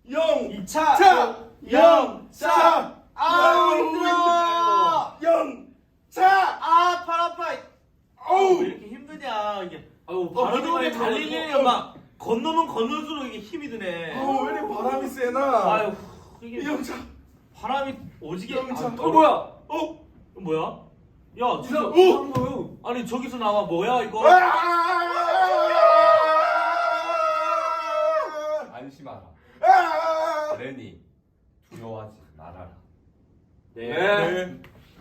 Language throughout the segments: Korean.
영차 아우 힘들어. 영차 팔 아파. 어우 왜 이렇게 힘드냐 이게. 아유 바람이 달리기는 막 건너면 건널수록 이게 힘이 드네. 어우 왜 이렇게 바람이 세나 아유 이게 영차 바람이 오지게. 영차 뭐야? 뭐야? 야 진짜. 이상한 거요. 아니 저기서 나와 뭐야 이거? 안심하라. 레니 두려워하지 말아라. 네.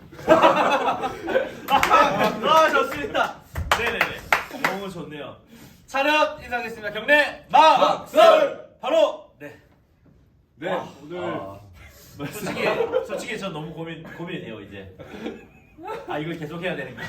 좋습니다. 네네네. 너무 좋네요. 차렷 인사하겠습니다. 경례 막설 바로 네. 네 아, 오늘 솔직히 저 너무 고민이 돼요 이제. 이걸 계속 해야 되는 게.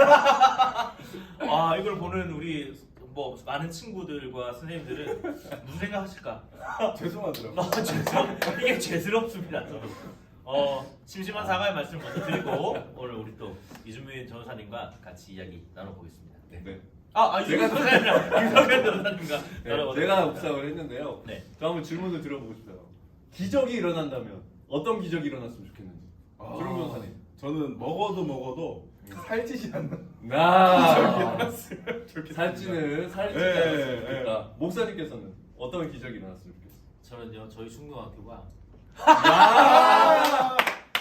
이걸 보는 우리 뭐 많은 친구들과 선생님들은 무슨 생각하실까? 죄송하더라고요. 이게 죄스럽습니다. 저도. 심심한 사과의 말씀 먼저 드리고 오늘 우리 또 이준민 전도사님과 같이 이야기 나눠보겠습니다. 네. 이준민 전도사님과 이성현 전도사님과 나눠보겠습니다. 제가 묵상을 했는데요. 네. 저 한번 질문을 드려보고 싶어요. 기적이 일어난다면 어떤 기적이 일어났으면 좋겠는지. 주름 변호사님. 저는 먹어도 살찌지 않는 기적이 나 일어났으면 좋겠습니다. 살찌는 살찌지 네, 않았으면 좋겠다. 목사님께서는 어떤 기적이 일어났으면 좋겠어요? 저는요 저희 중고등학교가 아,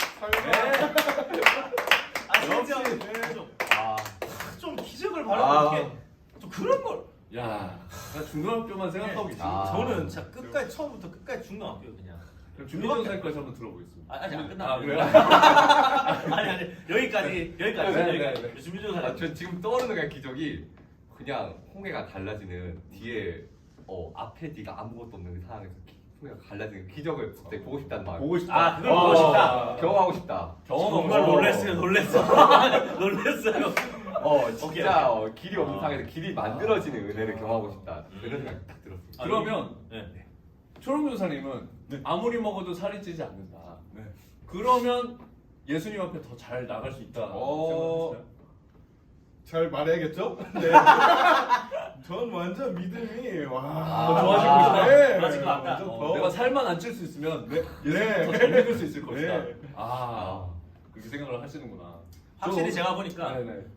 진짜 역시. 좀 기적을 바라는 게 또 그런 걸 야, 나 중등학교만 생각하고 있어. 저는 진짜 끝까지 처음부터 끝까지 중고등학교 그냥 그럼 준비 전사님까지 한번 들어보겠습니다. 아직 안 아, 끝났어요. 그래요? 아니 여기까지 네. 준비 전사. 저 지금 떠오르는 그냥 기적이 그냥 홍해가 갈라지는 뒤에 앞에 네가 아무것도 없는 상황에서 홍해가 갈라지는 기적을 갑자기 보고 싶다는 마음. 보고 싶다. 그걸 보고 싶다. 경험하고 싶다. 정말 놀랐어요. 진짜 길이 없는 상황에서 길이 만들어지는 은혜를 경험하고 싶다. 그런 생각이 딱 들었습니다. 그러면 네. 초롱 변호사님은 네. 아무리 먹어도 살이 찌지 않는다. 네. 그러면 예수님 앞에 더 잘 나갈 수 있다. 생각하시나요? 잘 말해야겠죠? 네. 전 완전 믿음이 더 좋아지고 있다. 네. 좋아질 것 같다. 완전 더. 내가 살만 안 찔 수 있으면 네. 예수님 더잘 믿을 수 있을 것이다. 네. 그렇게 생각을 하시는구나. 확실히 저- 제가 보니까 네네.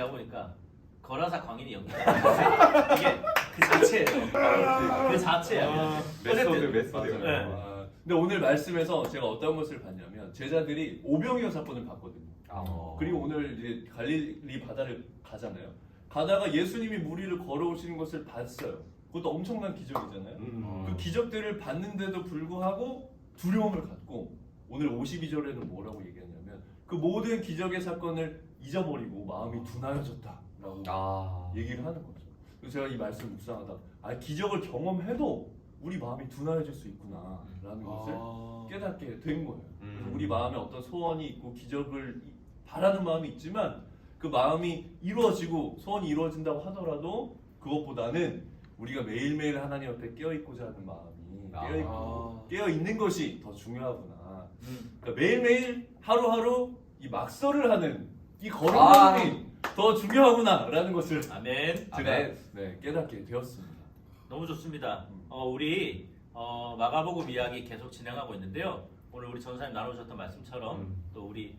거라사 광인이 연기. 이게 그 자체예요. 그 자체예요. 메소드. 네. 근데 오늘 말씀에서 제가 어떤 것을 봤냐면 제자들이 오병이어 사건을 봤거든요. 그리고 오늘 이제 갈릴리 바다를 가잖아요. 가다가 예수님이 물 위를 걸어오시는 것을 봤어요. 그것도 엄청난 기적이잖아요. 그 기적들을 봤는데도 불구하고 두려움을 갖고 오늘 52절에는 뭐라고 얘기하냐면 그 모든 기적의 사건을 잊어버리고 마음이 둔하여졌다라고 얘기를 하는 거죠. 그래서 제가 이 말씀을 묵상하다 기적을 경험해도 우리 마음이 둔하여질 수 있구나라는 것을 깨닫게 된 거예요. 그래서 우리 마음에 어떤 소원이 있고 기적을 바라는 마음이 있지만 그 마음이 이루어지고 소원이 이루어진다고 하더라도 그것보다는 우리가 매일매일 하나님 앞에 깨어있고자 하는 마음이 깨어있는 것이 더 중요하구나. 그러니까 매일매일 하루하루 이 막설을 하는 이 걸음걸음이 더 중요하구나라는 것을 아멘. 제가 깨닫게 되었습니다. 너무 좋습니다. 우리 마가복음 이야기 계속 진행하고 있는데요. 오늘 우리 전사님 나누셨던 말씀처럼 또 우리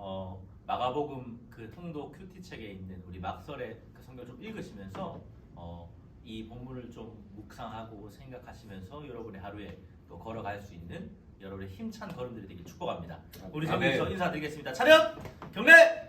마가복음 그 통독 큐티 책에 있는 우리 막설의 그 성경 좀 읽으시면서 이 본문을 좀 묵상하고 생각하시면서 여러분의 하루에 또 걸어갈 수 있는 여러분의 힘찬 걸음들이 되길 축복합니다. 우리 성경에서 인사드리겠습니다. 차렷 경례.